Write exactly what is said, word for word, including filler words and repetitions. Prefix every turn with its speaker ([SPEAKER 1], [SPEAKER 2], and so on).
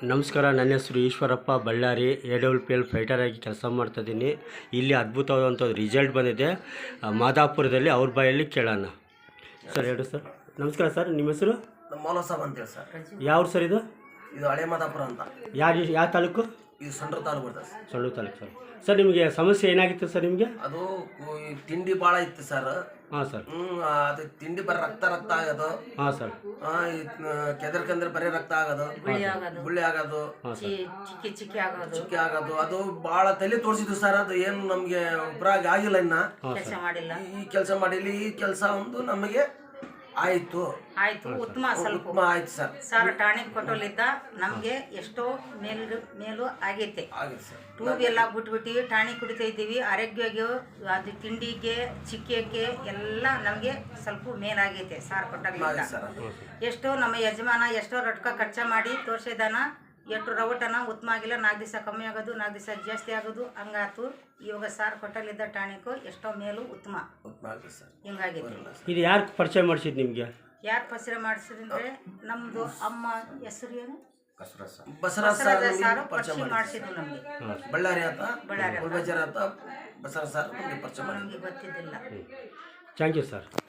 [SPEAKER 1] ನಮಸ್ಕಾರ, ನನ್ನ ಹೆಸರು Eshwarappa Ballari. A W P L fighter ಆಗಿ ಕೆಲಸ ಮಾಡ್ತಾಯಿದ್ದೀನಿ. ಇಲ್ಲಿ ಅದ್ಭುತವಾದಂಥ ರಿಸಲ್ಟ್ ಬಂದಿದೆ ಮಾದಾಪುರದಲ್ಲಿ. ಅವ್ರ ಬಾಯಲ್ಲಿ ಕೇಳೋಣ. ಸರ್ ಹೇಳಿ ಸರ್. ನಮಸ್ಕಾರ ಸರ್, ನಿಮ್ಮ ಹೆಸರು?
[SPEAKER 2] ಮೌಲ ಸಾಬ್ ಅಂತೇಳಿ ಸರ್.
[SPEAKER 1] ಯಾವ ಸರ್ ಇದು?
[SPEAKER 2] ಇದು ಹಳೆ ಮಾದಾಪುರ ಅಂತ.
[SPEAKER 1] ಯಾರು ಯಾವ ತಾಲೂಕು?
[SPEAKER 2] ಇದು ಸಂಡ್ರ ತಾಲೂಕು ಬರ್ತದೆ sir.
[SPEAKER 1] Sandur taluk sir. Sir ನಿಮಗೆ ಸಮಸ್ಯೆ ಏನಾಗಿತ್ತು ಸರ್? ನಿಮಗೆ
[SPEAKER 2] ಅದು ತಿಂಡಿ ಭಾಳ ಇತ್ತು ಸರ್.
[SPEAKER 1] ಹಾಂ ಸರ್.
[SPEAKER 2] ಹ್ಞೂ ಅದು ತಿಂಡಿ ಬರೀ ರಕ್ತ ರಕ್ತ ಆಗೋದು.
[SPEAKER 1] ಹಾಂ ಸರ್.
[SPEAKER 2] ಕೆದರ್ಕಂದ್ರೆ ಬರೀ ರಕ್ತ ಆಗೋದು, ಗುಳ್ಳಿ ಆಗೋದು,
[SPEAKER 3] ಚಿಕ್ಕಿ ಚಿಕ್ಕಿ ಆಗೋದು
[SPEAKER 2] ಚಿಕ್ಕಿ ಆಗೋದು. ಅದು ಭಾಳ ತಲೆ ತೋರಿಸಿದ್ದು ಸರ್. ಅದು ಏನು ನಮಗೆ ಉಪರಾಗ ಆಗಿಲ್ಲ ಇನ್ನ.
[SPEAKER 3] ಕೆಲಸ ಮಾಡಿಲ್ಲ,
[SPEAKER 2] ಈ ಕೆಲಸ ಮಾಡಿಲ್ಲ. ಈ ಕೆಲಸ ಒಂದು ನಮಗೆ ಆಯ್ತು
[SPEAKER 3] ಆಯ್ತು ಉತ್ತಮ. ಸ್ವಲ್ಪ
[SPEAKER 2] ಉತ್ತಮ ಆಯ್ತು ಸರ್.
[SPEAKER 3] ಸರ್ ಟಾನಿಕ್ ಕೊಟ್ಟೋಲಿದ್ದ ನಮಗೆ ಎಷ್ಟೋ ಮೇಲು ಮೇಲೂ ಆಗೈತೆ.
[SPEAKER 2] ಆಗಿದೆ ಸರ್.
[SPEAKER 3] ಟ್ಯೂಬ್ ಎಲ್ಲ ಬಿಟ್ಬಿಟ್ಟು ಟಾನಿಕ್ ಕುಡಿತಾ ಇದ್ದೀವಿ. ಆರೋಗ್ಯಗೆ ಅದು ತಿಂಡಿಗೆ ಚಿಕ್ಕಿಗೆ ಎಲ್ಲ ನಮಗೆ ಸ್ವಲ್ಪ ಮೇಲಾಗೈತೆ ಸಾರ್ ಕೊಟ್ಟಾಗಲಿಂದ. ಎಷ್ಟೋ ನಮ್ಮ ಯಜಮಾನ ಎಷ್ಟೋ ರೊಕ್ಕ ಖರ್ಚ ಮಾಡಿ ತೋರಿಸಿದಾನ. ಎಷ್ಟು ರವಟನ ಉತ್ತಮ ಆಗಿಲ್ಲ. ನಾಲ್ಕು ದಿವಸ ಕಮ್ಮಿ ಆಗೋದು, ನಾಲ್ಕು ದಿವಸ ಜಾಸ್ತಿ ಆಗೋದು, ಹಂಗಾತು. ಇವಾಗ ಸಾರ್ ಕೊಟ್ಟಲ್ಲಿದ್ದ ಟಾನಿಕ್ ಎಷ್ಟೋ ಮೇಲೂ ಉತ್ತಮ ಹಿಂಗಾಗೈತೆ.
[SPEAKER 1] ಇದು ಯಾರು ಪರಿಚಯ ಮಾಡಿಸಿದ್ದು ನಿಮಗೆ?
[SPEAKER 3] ಯಾರು ಪರಿಚಯ ಮಾಡಿಸಿದ್ರೆ ನಮ್ಮದು ಅಮ್ಮ ಹೆಸರು ಏನು
[SPEAKER 2] ಬಸವರಾಜ್
[SPEAKER 3] ಸಾರು ಪರಿಚಯ ಮಾಡಿಸಿದ್ರು ನಮಗೆ.
[SPEAKER 2] ಬಳ್ಳಾರಿ ಆತ,
[SPEAKER 3] ಬಳ್ಳಾರಿ
[SPEAKER 2] ಬಜಾರ್ ಆತ, ಬಸವರಾಜ್ ಸರ್ ನಮಗೆ ಪರಿಚಯ ಮಾಡಿ.
[SPEAKER 3] ನಮಗೆ ಗೊತ್ತಿದ್ದಿಲ್ಲ.
[SPEAKER 1] Thank you sir.